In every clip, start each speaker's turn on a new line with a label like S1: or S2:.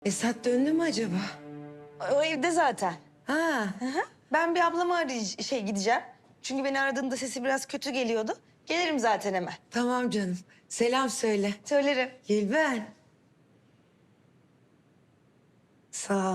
S1: Esat döndü mü acaba?
S2: O evde zaten.
S1: Ha,
S2: Ben bir ablamı gideceğim. Çünkü beni aradığında sesi biraz kötü geliyordu. Gelirim zaten hemen.
S1: tamam canım. Selam söyle.
S2: Söylerim.
S1: Gülben. Sağ ol.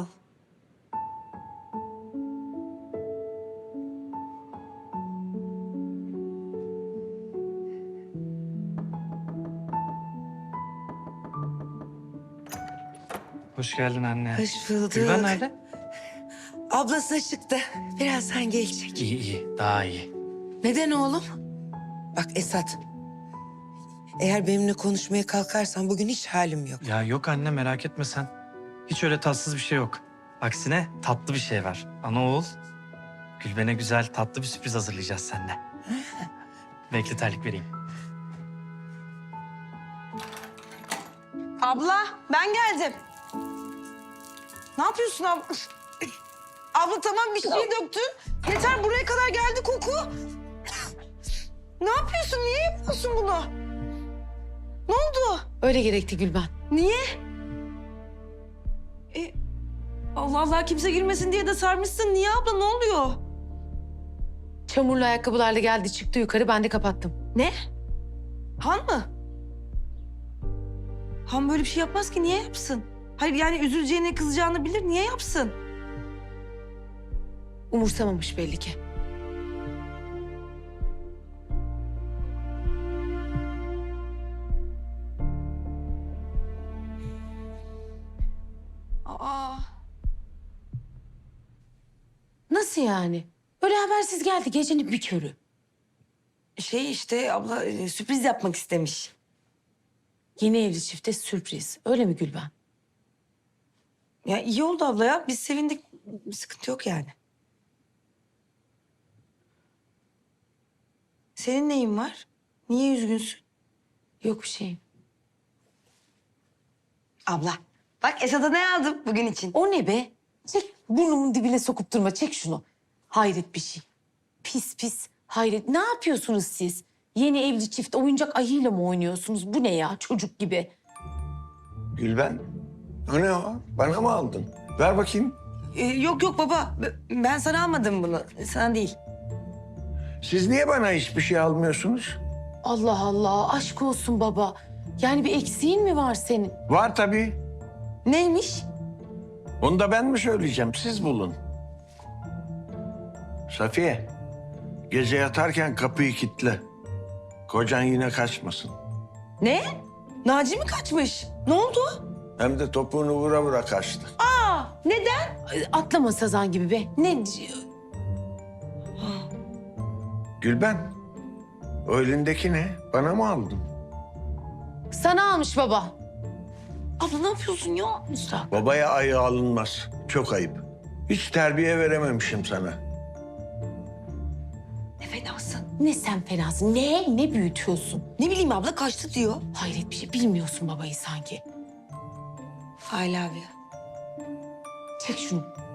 S3: Hoş geldin anne.
S1: Hoş bulduk.
S3: Gülben nerede?
S1: Ablası çıktı. Birazdan gelecek.
S3: İyi iyi, daha iyi.
S1: Neden oğlum? Bak Esat. Eğer benimle konuşmaya kalkarsan bugün hiç halim yok.
S3: Ya yok anne, merak etme sen. Hiç öyle tatsız bir şey yok. Aksine tatlı bir şey var. Ana oğul, Gülben'e güzel tatlı bir sürpriz hazırlayacağız seninle. Bekle, terlik vereyim.
S2: Abla ben geldim. Ne yapıyorsun abla? Abla tamam bir şey döktün. Yeter buraya kadar geldi koku. Ne yapıyorsun? Niye yapıyorsun bunu? Ne oldu?
S4: Öyle gerekti Gülben.
S2: Niye? Allah Allah kimse girmesin diye de sarmışsın. Niye abla ne oluyor?
S4: Çamurlu ayakkabılarla geldi çıktı yukarı, ben de kapattım.
S2: Ne? Han mı? Han böyle bir şey yapmaz ki. Niye yapsın? Hayır yani üzüleceğini, kızacağını bilir. Niye yapsın?
S4: Umursamamış belli ki.
S2: Aa.
S4: Nasıl yani? Böyle habersiz geldi gecenin bir körü.
S2: Şey işte abla sürpriz yapmak istemiş.
S4: Yeni evli çifte sürpriz. Öyle mi Gülben?
S2: Ya iyi oldu abla ya. Biz sevindik. Bir sıkıntı yok yani. Senin neyin var? Niye üzgünsün?
S4: Yok bir şeyim.
S2: Abla bak Esat'a ne aldım bugün için?
S4: O ne be? Çek, burnumun dibine sokup durma. Çek şunu. Hayret bir şey. Pis pis. Hayret. Ne yapıyorsunuz siz? Yeni evli çift oyuncak ayıyla mı oynuyorsunuz? Bu ne ya? Çocuk gibi.
S5: Gülben, o ne o? Bana mı aldın? Ver bakayım.
S2: Yok yok baba. Ben sana almadım bunu. Sana değil.
S5: Siz niye bana hiçbir şey almıyorsunuz?
S4: Allah Allah. Aşk olsun baba. Yani bir eksiğin mi var senin?
S5: Var tabii.
S2: Neymiş?
S5: Onu da ben mi söyleyeceğim? Siz bulun. Safiye, gece yatarken kapıyı kilitle. Kocan yine kaçmasın.
S2: Ne? Naci mi kaçmış? Ne oldu?
S5: Hem de topuğunu vura vura kaçtı.
S2: Aa, neden?
S4: Ay, atlama sazan gibi be. Ne?
S5: Gülben, o elindeki ne? Bana mı aldın?
S4: Sana almış baba.
S2: Abla ne yapıyorsun ya?
S4: Müstahak.
S5: Babaya ayı alınmaz. Çok ayıp. Hiç terbiye verememişim sana.
S2: Ne fenasın.
S4: Ne sen fenasın. Ne büyütüyorsun?
S2: Ne bileyim abla kaçtı diyor.
S4: Hayret bir şey. Bilmiyorsun babayı sanki.
S2: I love you.
S4: Çek şunu.